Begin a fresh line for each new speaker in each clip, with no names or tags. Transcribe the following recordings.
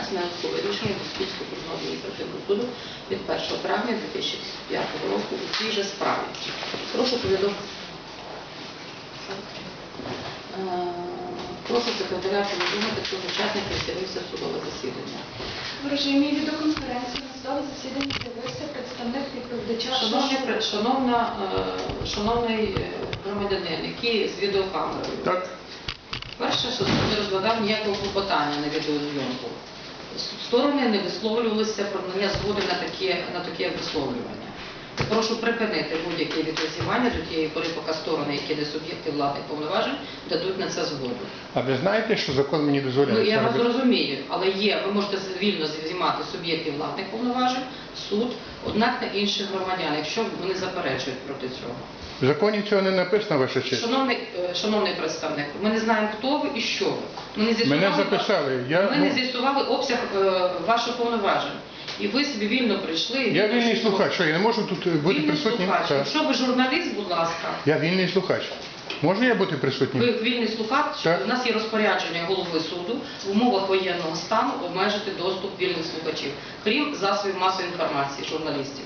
Смілянського рішення Босківського окружного адміністративного суду від 1 травня 2005 року у цій же справі. Прошу повідомити. Прошу секретаря повідомити, хто з учасників з'явився в судове засідання.
В режимі відеоконференції на судове засідання з'явився представник відповідача.
Шановний громадянин, який з відеокамерою.
Так.
Перше, що суд не розглядав ніякого клопотання на відеозйомку. Сторони не висловлювалися про надання згоди на таке висловлювання. Прошу припинити будь-яке відеознімання до тієї пори, поки сторони, які не суб'єкти владних повноважень, дадуть на це згоду.
А ви знаєте, що закон мені дозволяє?
Я вас розумію, але ви можете вільно знімати суб'єктів владних повноважень, суд, однак на інших громадян, якщо вони заперечують проти цього.
В законі цього не написано, ваша честь.
Шановний представник, ми не знаємо, хто ви і що ви.
Мене записали.
Ми не з'ясували обсяг ваших повноважень. І ви собі вільно прийшли.
Я вільний слухач, що я не можу тут бути присутнім?
Якщо ви журналіст, будь ласка.
Я вільний слухач. Можу я бути присутнім?
Ви вільний слухач,
так.
У нас є розпорядження голови суду в умовах воєнного стану обмежити доступ вільних слухачів, крім засобів масової інформації, журналістів.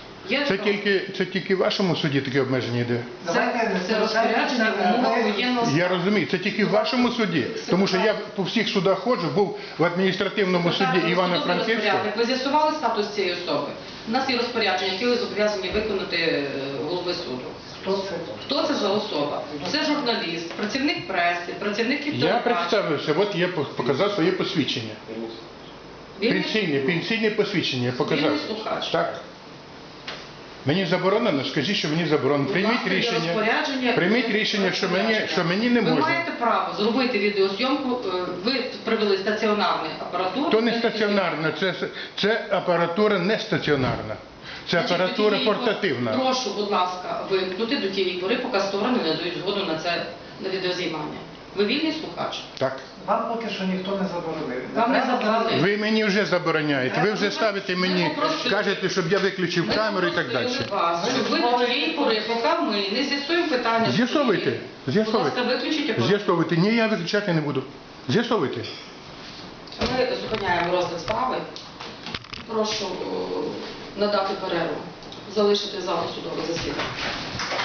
Це тільки в вашому суді таке обмеження йде?
Це розпорядження в умовах воєнного стану.
Я розумію, це тільки в вашому суді, тому що я по всіх судах ходжу, був в адміністративному суді Івано-Франківського.
Ви з'ясували статус цієї особи? У нас є розпорядження, яке ви зобов'язані виконати голови суду. Хто це за особа? Це журналіст, працівник преси, працівник телебачення.
Я представився, от я показав своє посвідчення. Пенсійне посвідчення я показав.
Вільний слухач.
Так. Мені заборонено, скажіть, що мені заборонено. Прийміть рішення, що мені не можна.
Ви маєте право зробити відеозйомку, ви привели стаціонарну апаратуру.
То не стаціонарна, це апаратура не стаціонарна. Це апаратура портативна.
Прошу, будь ласка, вимкнути до тієї пори, поки сторони не дають згоду на відеознімання. Ви вільний слухач?
Так.
Вам поки що ніхто не заборонив.
Вам не заборонили.
Ви мені вже забороняєте. Ви вже ставите мені, кажете, щоб я виключив камеру і так далі.
Щоб ви до тієї пори, поки ми не з'ясуємо питання.
З'ясовуйте.
Будь ласка, виключіть апарат.
З'ясовуйте. Ні, я виключати не буду. З'ясовуйте.
Ми зупиняємо розгляд справи. Прошу надати перерву, залишити залу судове засідання.